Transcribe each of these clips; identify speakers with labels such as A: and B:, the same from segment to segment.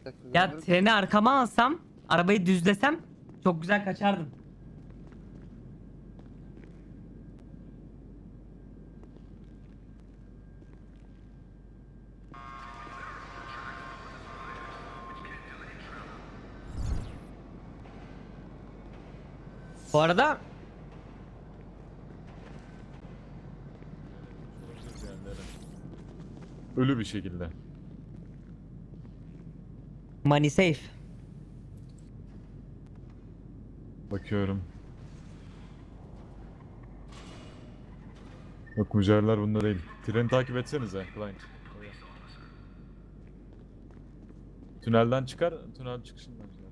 A: Bir dakika,
B: Ya
A: görmüyorum.
B: treni arkama alsam, arabayı düzlesem çok güzel kaçardım. Bu arada
C: Ölü bir şekilde.
B: money safe.
C: Bakıyorum. Yok, mücevherler bunda değil. Treni takip etsenize Client. Tünelden çıkar, tünel çıkışından çıkar.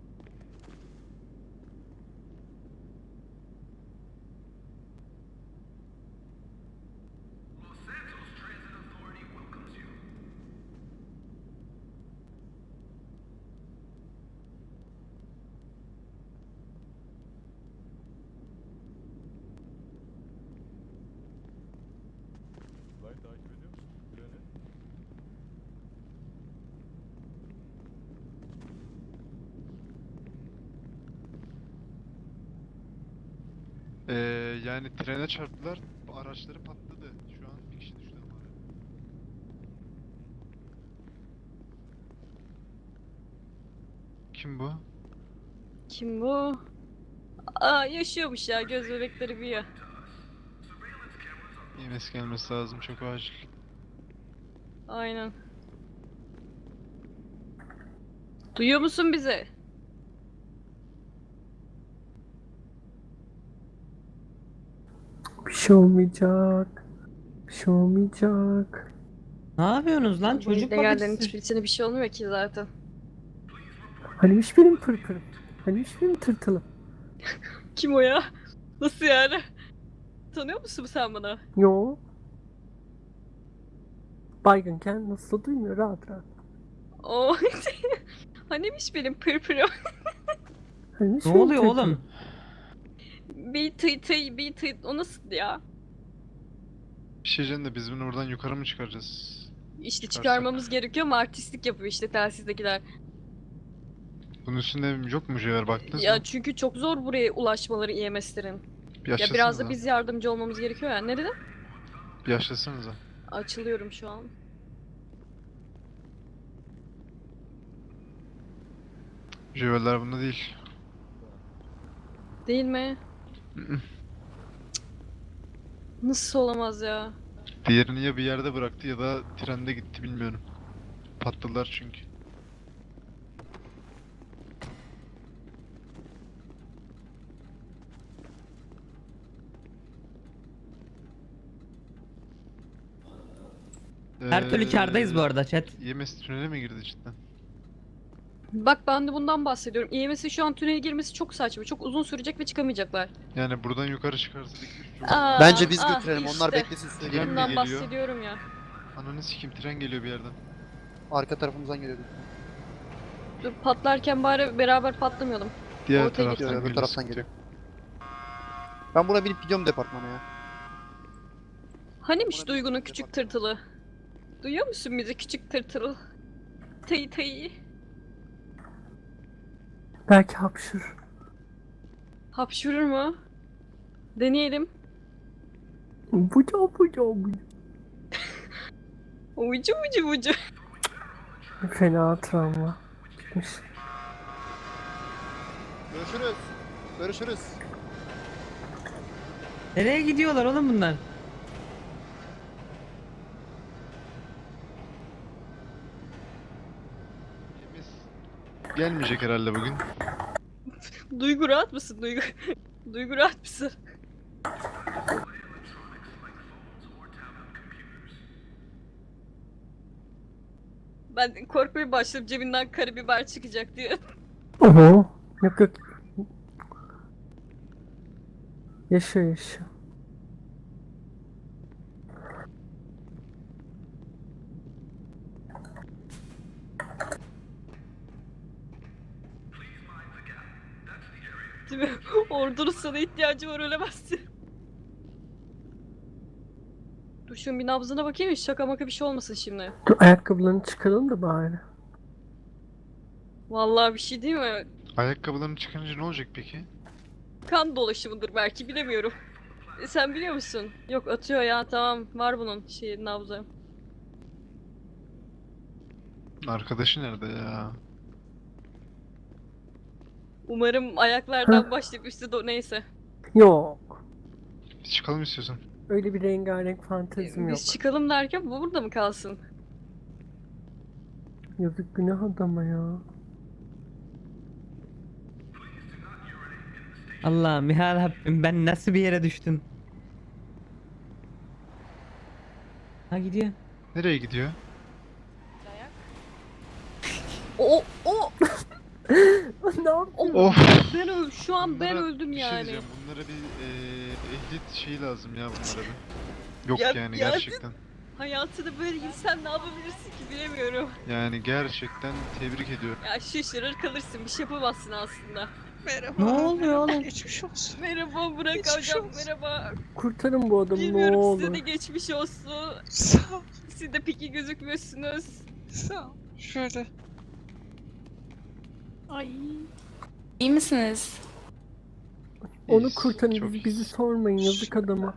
C: Client takip ediyor musun treni?
D: Ee, Yani trene çarptılar, araçları patladı. Şu an bir kişi düştü ama. Kim bu?
E: Kim bu? Aa, yaşıyormuş ya, göz bebekleri büyüyor.
D: EMS gelmesi lazım, çok acil.
E: Aynen. Duyuyor musun bizi?
F: Bir şey olmayacak. Bir şey olmayacak.
B: Ne yapıyorsunuz lan?
E: Bu
B: Çocuk
E: illegallerin
B: bakıcısı.
E: hiçbirisine bir şey olmuyor ki zaten.
F: Hanimiş benim pırpırım. Hanimiş benim tırtılım.
E: Kim o ya? Nasıl yani? Tanıyor musun sen bana?
F: Yo. Baygınken nasıl duymuyor rahat rahat.
E: O Hanimiş benim pırpırım.
F: Hanimiş
B: Ne
F: benim
B: oluyor
F: tırtılım.
B: oğlum?
E: Bir tıy o nasıl ya?
D: Bir şey diyeceğim de biz bunu buradan yukarı mı çıkaracağız?
E: İşte
D: Çıkarsak.
E: çıkarmamız gerekiyor ama artistlik yapıyor işte telsizdekiler.
D: Bunun üstünde yok mu mücevher, baktınız
E: Ya
D: mı?
E: çünkü çok zor buraya ulaşmaları EMS'lerin.
D: Bir
E: Ya biraz da
D: yaşlasanıza.
E: biz yardımcı olmamız gerekiyor ya. Ne dedin?
D: Bir yaşlasanıza.
E: Açılıyorum şu an.
D: Mücevherler bunda değil.
E: Değil mi?
D: Mm-mm.
E: Nasıl olamaz ya?
D: Diğerini ya bir yerde bıraktı ya da trende gitti, bilmiyorum. Patladılar çünkü.
B: Her türlü kârdayız bu arada chat.
D: EMS tünele mi girdi cidden?
E: Bak ben de bundan bahsediyorum. EMS'in şu an tünele girmesi çok saçma. Çok uzun sürecek ve çıkamayacaklar.
D: Yani buradan yukarı çıkarsa çok...
E: Aa,
A: Bence biz
E: ah
A: götürelim. Onlar
E: işte.
A: beklesin, size
D: Tren
A: gelin.
D: mi
E: Bundan
D: geliyor?
E: bahsediyorum ya.
D: Ananı sikeyim, tren geliyor bir yerden.
A: Arka tarafımızdan geliyordu.
E: Dur patlarken bari beraber patlamayalım.
D: Diğer
E: Ortaya
D: taraftan
A: gidiyor, öbür
D: geliyor,
A: taraftan
D: sıkıntı
A: geliyor.
D: yok.
A: Ben buna binip gidiyorum departmana ya.
E: Hanimiş
A: Ona
E: Duygu'nun
A: bir
E: küçük
A: bak.
E: tırtılı? Duyuyor musun bizi küçük tırtıl? Tayı tayı.
F: Belki hapşır.
E: Hapşurur mu? Deneyelim.
F: Buca buca buca.
E: Ucu ucu ucu.
F: Fena travma. Bitmiş.
A: Görüşürüz. Görüşürüz.
B: Nereye gidiyorlar oğlum bunlar?
D: EMS gelmeyecek herhalde bugün.
E: Duygu rahat mısın Duygu? Duygu rahat mısın? Ben korkmaya başladım cebinden karabiber çıkacak diye.
F: Oho. Yok yok. Yaşıyor yaşıyor.
E: Değil mi? Ordunun sana ihtiyacı var, ölemezsin. Dur şunun bir nabzına bakayım, hiç şaka maka bir şey olmasın şimdi.
F: Dur ayakkabılarını çıkaralım da bari.
E: Vallahi bir şey değil mi?
D: Ayakkabılarını çıkarınca ne olacak peki?
E: Kan dolaşımıdır belki, bilemiyorum. Sen biliyor musun? Yok, atıyor ya, tamam, var bunun nabzı.
D: Arkadaşı nerede ya?
E: Umarım ayaklardan başlayıp üstü neyse.
F: Yok.
D: Biz çıkalım istiyorsan.
F: Öyle bir rengarenk fantezim yok.
E: Biz çıkalım derken bu burada mı kalsın?
F: Yazık günah adama ya.
B: Allah'ım ya Rabbim, ben nasıl bir yere düştüm? Ha, gidiyor.
D: Nereye gidiyor?
E: O
F: Ne yapayım?
D: Of!
E: ben şu an ben
D: Bunlara
E: öldüm
D: bir şey
E: yani.
D: diyeceğim. Bunlara bir ehliyet şeyi lazım ya bunlara bir. Yok
E: Ya-
D: yani
E: ya-
D: gerçekten.
E: Hayatında böyle insan ne yapabilirsin ki, bilemiyorum.
D: Yani gerçekten tebrik ediyorum.
E: Ya şaşırır kalırsın, bir şey yapamazsın aslında. Merhaba.
B: Ne oluyor oğlum?
G: Geçmiş olsun.
E: Merhaba Burak
G: Geçmiş
E: hocam,
G: olsun.
E: merhaba.
F: Kurtarın bu adamı ne
E: Bilmiyorum, size de
F: olur.
E: geçmiş olsun.
G: Sağ ol.
E: Siz de peki gözükmüyorsunuz.
G: Sağ ol. Şöyle.
H: Ay. İyi misiniz?
F: Onu
D: İyiyiz,
F: kurtarın,
D: çok
F: bizi
D: iyiyiz.
F: sormayın yazık adama.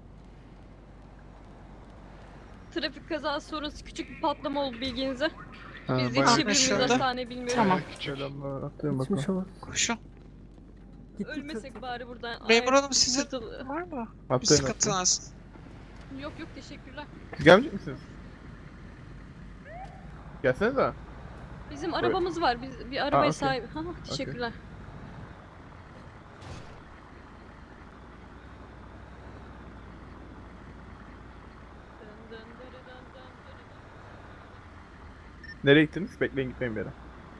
E: Trafik kazası sonrası küçük bir patlama oldu, bilginize.
D: Ha,
E: Biz
D: bayağı-
E: yetişebilir miyiz
G: Anlaşıldı.
E: hastaneye bilmiyorum.
H: Tamam.
D: bayağı küçük.
F: Geçmiş olsun.
G: Koşun.
F: Gitti
E: Ölmesek bari buradan.
G: Memur
E: Ay,
G: hanım sizin
E: tırtılı.
G: var mı? Bir
I: Haftaya
G: sıkıntınız.
E: Yok yok, teşekkürler.
I: Siz gelmeyecek misiniz? Gelsenize.
E: Bizim arabamız var. Biz bir arabaya
I: okey.
E: sahip. Ha, teşekkürler. Dın dın dırı dın dın dırı dın.
I: Nereye gittiniz? Bekleyin, gitmeyin bir yere.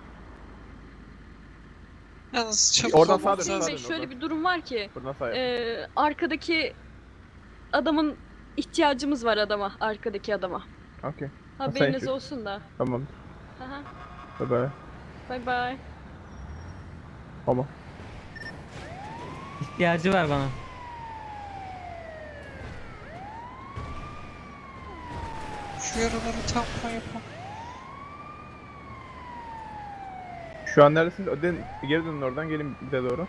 G: Yalnız çabuk
I: Oradan
G: olun.
I: sağa dön,
E: Hüseyin
I: sağa
E: Bey,
I: dön,
E: şöyle
I: oradan.
E: bir durum var ki.
I: Buradan sağ yap.
E: Arkadaki adamın ihtiyacımız var, arkadaki adama.
I: Okey.
E: Haberiniz
I: şu-
E: olsun da.
I: Tamam.
E: Aha.
I: Bye bye.
E: Bye bye.
I: Tamam.
B: İhtiyacı var bana.
G: Şu yaraları tampon yapın.
I: Şu an neredesiniz? Geri dönün oradan, gelin bize doğru.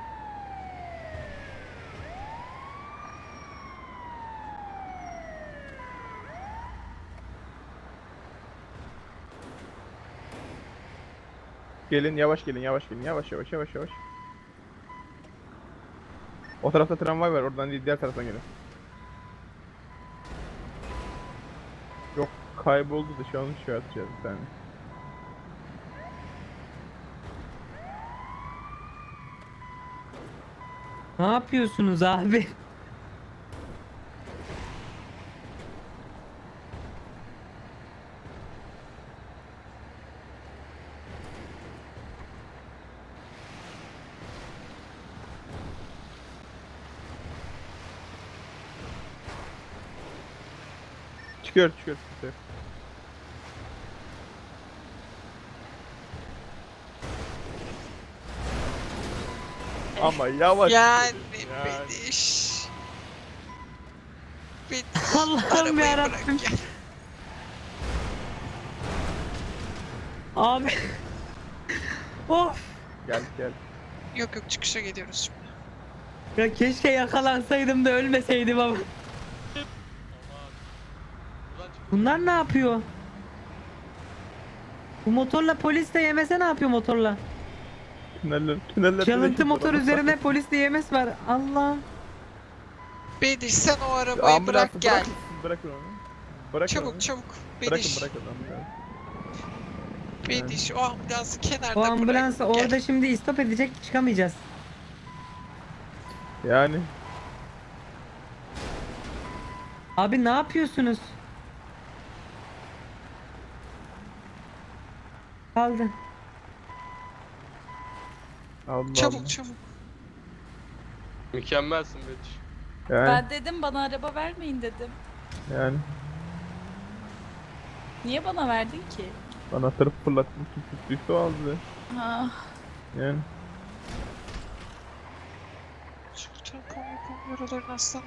I: Gelin, yavaş gelin, yavaş gelin, yavaş yavaş yavaş yavaş. O tarafta tramvay var, oradan değil, diğer taraftan gelin. Yok, kayboldu da şu an şey atacağız bir tane.
B: Ne yapıyorsunuz abi?
I: Çıkıyor, çıkıyor, çıkıyor. Ama yavaş.
G: Yani
I: Yani.
G: Bediş. Bediş.
B: Allah'ım
G: Arabayı
B: yarabbim.
G: bırak gel.
B: Abi. Of.
I: Gel gel.
G: Yok yok, çıkışa gidiyoruz şimdi.
B: Ya keşke yakalansaydım da ölmeseydim ama. Bunlar ne yapıyor? Bu motorla polis de yemese ne yapıyor motorla?
I: Tüneller.
B: Çalıntı motor üzerine polis de yemes var. Allah.
G: Bediş, sen o arabayı bırak gel.
I: Bırakın onu. Bırakın onu.
G: Çabuk çabuk.
I: Bırakın
G: Bediş.
I: bırakın onu.
G: Bediş, o ambulansı kenarda
B: O
G: bırak.
B: ambulans
G: gel.
B: orada şimdi istop edecek, çıkamayacağız.
I: Yani.
B: Abi ne yapıyorsunuz? Kaldı.
I: Allah
G: Çabuk
I: Allah.
G: çabuk.
J: Mükemmelsin Bediş.
I: Yani.
H: Ben dedim bana araba vermeyin dedim.
I: Yani.
H: Niye bana verdin ki?
I: Anahtarı fırlattım. Kim tuttuysa o aldı.
H: Ha.
I: Yani.
G: Şu tampon yapın yaralarını aslanım.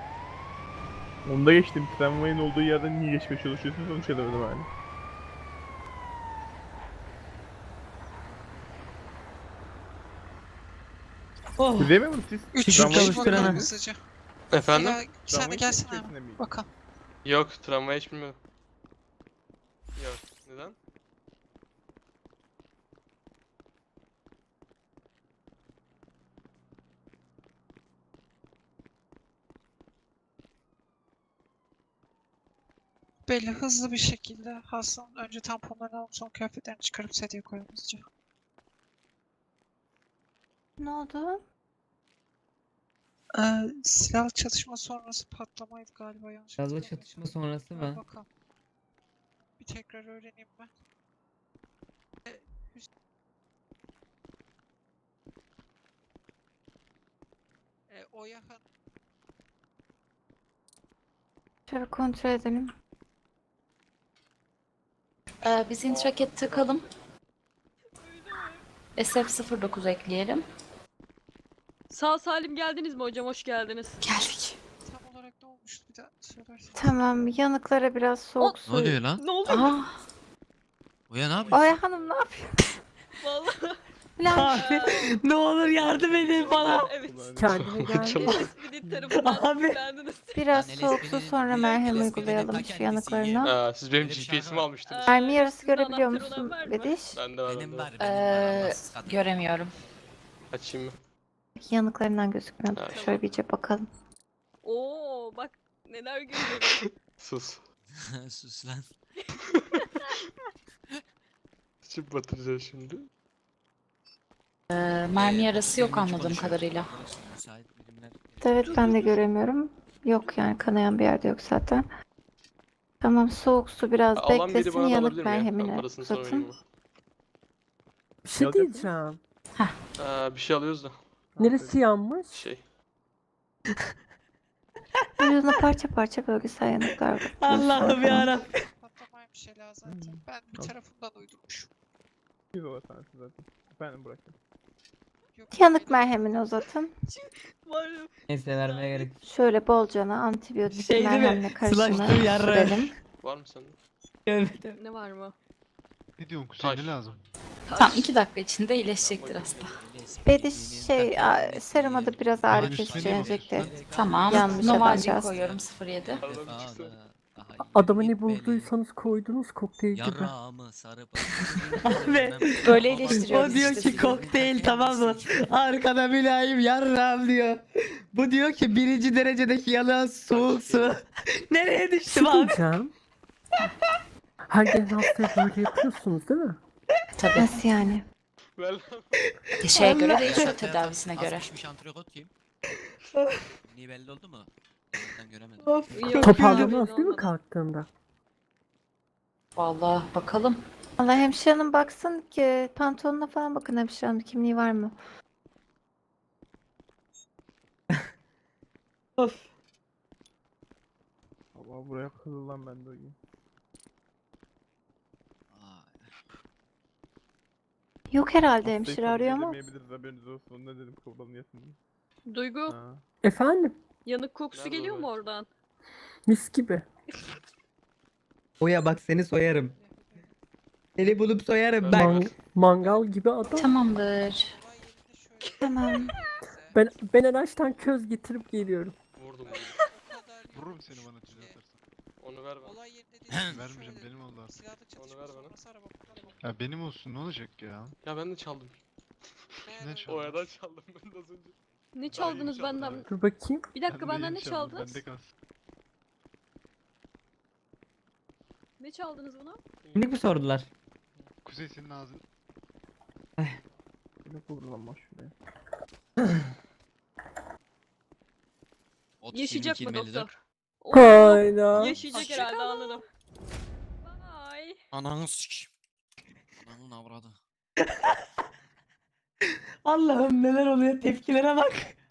I: Onda geçtim. Tramvayın olduğu yerden niye geçmeye çalışıyorsunuz onu çözemedim hani.
B: Oh.
I: Siz değil mi bu siz?
G: 3
B: Şükür
G: kişi
B: kavuşturana.
G: bakalım hızlıca.
J: Efendim?
G: Ya, sen de
I: Tramvayı
G: gelsene
I: çekmesine
G: hemen.
I: mi?
G: Bakalım.
J: Yok, tramvay hiç bilmiyorum. Yok, neden?
G: Belli hızlı bir şekilde hastanın önce tamponlarını alıp son kıyafetlerini çıkarıp sediye koyalım hızlıca.
H: Ne oldu?
G: Silah çatışma sonrası patlamaydı galiba yanlış
B: Gazlı
G: hatırlamıyorsam.
B: çatışma sonrası mı?
G: Bakalım. Bir tekrar öğreneyim ben. Oya Hanım.
H: Şöyle kontrol edelim. Biz intraket takalım. SF09 ekleyelim.
E: Sağ salim geldiniz mi hocam? Hoş geldiniz.
H: Geldik.
G: Tam olarak ne olmuştu bir daha söylersen.
H: Tamam, yanıklara biraz soğuk su.
J: lan?
E: Ne oldu?
J: Oya ne yapıyorsun?
H: Oya Hanım ne yapıyor?
E: Vallahi.
B: Abi ne olur yardım edin bana.
E: Evet.
F: Kendine geldi.
E: Bir tarafından
B: Abi.
E: etkilendiniz.
H: Biraz soğuk su sonra merhem uygulayalım şu yanıklarına.
J: Siz benim GPS'imi almıştınız.
H: Mermi yarısı
E: Sizin
H: görebiliyor
E: anahtarı olan
H: musun
E: var mı?
H: Bediş?
J: Bende var, bende var.
H: Göremiyorum.
J: Açayım mı?
H: Yanıklarından gözükmüyordu.
J: Ha,
H: Şöyle bir iyice bakalım.
E: Oo bak neler görüyorum.
J: Sus.
K: Sus lan.
J: Açıp batıracağız şimdi.
H: Mermi yarası yok anladığım kadarıyla.
K: Müsait birimler.
H: Evet ben de göremiyorum. Yok yani kanayan bir yerde yok zaten. Tamam soğuk su biraz
J: Alan biri
H: beklesin
J: bana da
H: yanık
J: alabilir mi ya? Ben
H: merhemini
J: parasını sonra vereyim
H: uzatın.
J: mi?
F: Bir şey
I: Yazacak mı?
F: diyeceğim.
J: Bir şey alıyoruz da.
F: Neresi yanmış?
J: Şey.
H: Vücuduna parça parça bölgesel yanıklar var.
B: Allah'ım yarabbim.
G: Patlamaymış Ela zaten. Ben bir tarafından uydurmuşum.
I: Siz o sensin zaten. Efendim bırakın.
G: Yok,
H: Yanık merhemini uzatın.
E: Var ya.
B: Neyse vermeye gerek yok.
H: Şöyle bolcana antibiyotik
B: Şey değil mi?
H: merhemle karışımı
B: Slaştır yarrağı.
H: sürelim.
J: Var mı sende?
B: Evet.
E: Ne var mı?
D: Ne diyorsun Kuzey, ne lazım?
H: Tam 2 dakika içinde iyileşecektir hasta. Bediş seruma da biraz ağrı kesici enjekte. Tamam. Yanlış adamcağız. koyuyorum 07.
J: Aradan bir çıksa.
F: Adamı ne bulduysanız koydunuz kokteyl gibi.
K: Yarrağımı sarıp.
B: Abi.
H: Böyle
B: O
H: iyileştiriyoruz
B: diyor
H: işte.
B: ki kokteyl tamam mı? Arkada mülayim yarram diyor. Bu diyor ki 1. derecedeki yalan soğuk su. Nereye
F: Bir
B: düştüm
F: şey
B: abi?
F: diyeceğim. Her gelen hastaya böyle yapıyorsunuz değil mi?
H: Tabii. Nasıl yani?
J: Ver lan.
H: Şeye göre değişiyor tedavisine göre.
K: Asmışmış antrikot kim? Niye belli oldu mu? Ben göremedim.
B: Of.
E: Yok,
F: Toparlamaz
E: yok,
F: değil mi
E: olmadı.
F: kalktığında?
H: Vallahi bakalım. Allah hemşire hanım baksın ki pantolonuna falan bakın hemşire hanım kimliği var mı?
B: Of.
I: Allah buraya kızıl lan ben de uyuyayım.
H: Yok herhalde
I: Hastayı
H: hemşire
I: kabul
H: arıyor ama.
I: edemeyebiliriz, haberiniz olsun. Ne dedim kabul alınıyorsun diye.
E: Duygu
I: Ha.
F: Efendim?
E: yanık kokusu
J: Nerede
E: geliyor
J: o
E: mu
J: be?
E: oradan?
F: Mis gibi.
B: Oya bak seni soyarım. Seni bulup soyarım
J: Ben-
B: bak.
F: Mangal gibi adam.
H: Tamamdır.
G: Olay yerinde şöyle.
H: Tamam.
F: Ben araçtan köz getirip geliyorum.
J: Vurdum.
G: O kadar yok.
D: Vururum seni bana düzeltirsen.
J: Onu ver bana.
G: Olay yerinde değil.
D: Vermeyeceğim, benim oldu artık.
G: Silahlı çatışma
J: ver bana.
G: sonrası araba kullanımı.
D: Ya benim olsun, ne olacak ya?
J: Ya ben de çaldım.
D: Ne çaldın?
J: Oyadan çaldım ben de az önce.
E: Ne çaldınız
D: çaldım
E: benden?
D: abi.
F: Dur bakayım.
E: Bir dakika
D: Ben de
E: benden
D: yeni
E: ne
D: çaldım,
E: çaldınız?
D: bende kalsın.
E: Ne çaldınız buna?
B: Kimlik mi sordular?
D: Kuzey senin ağzın.
I: Ne buldun lan şuraya.
E: Yaşayacak mı doktor? Oo,
F: Hayda.
E: yaşayacak herhalde anladım. Bye.
K: Ananı sik. Ananın avradı.
B: Allah'ım neler oluyor tepkilere bak.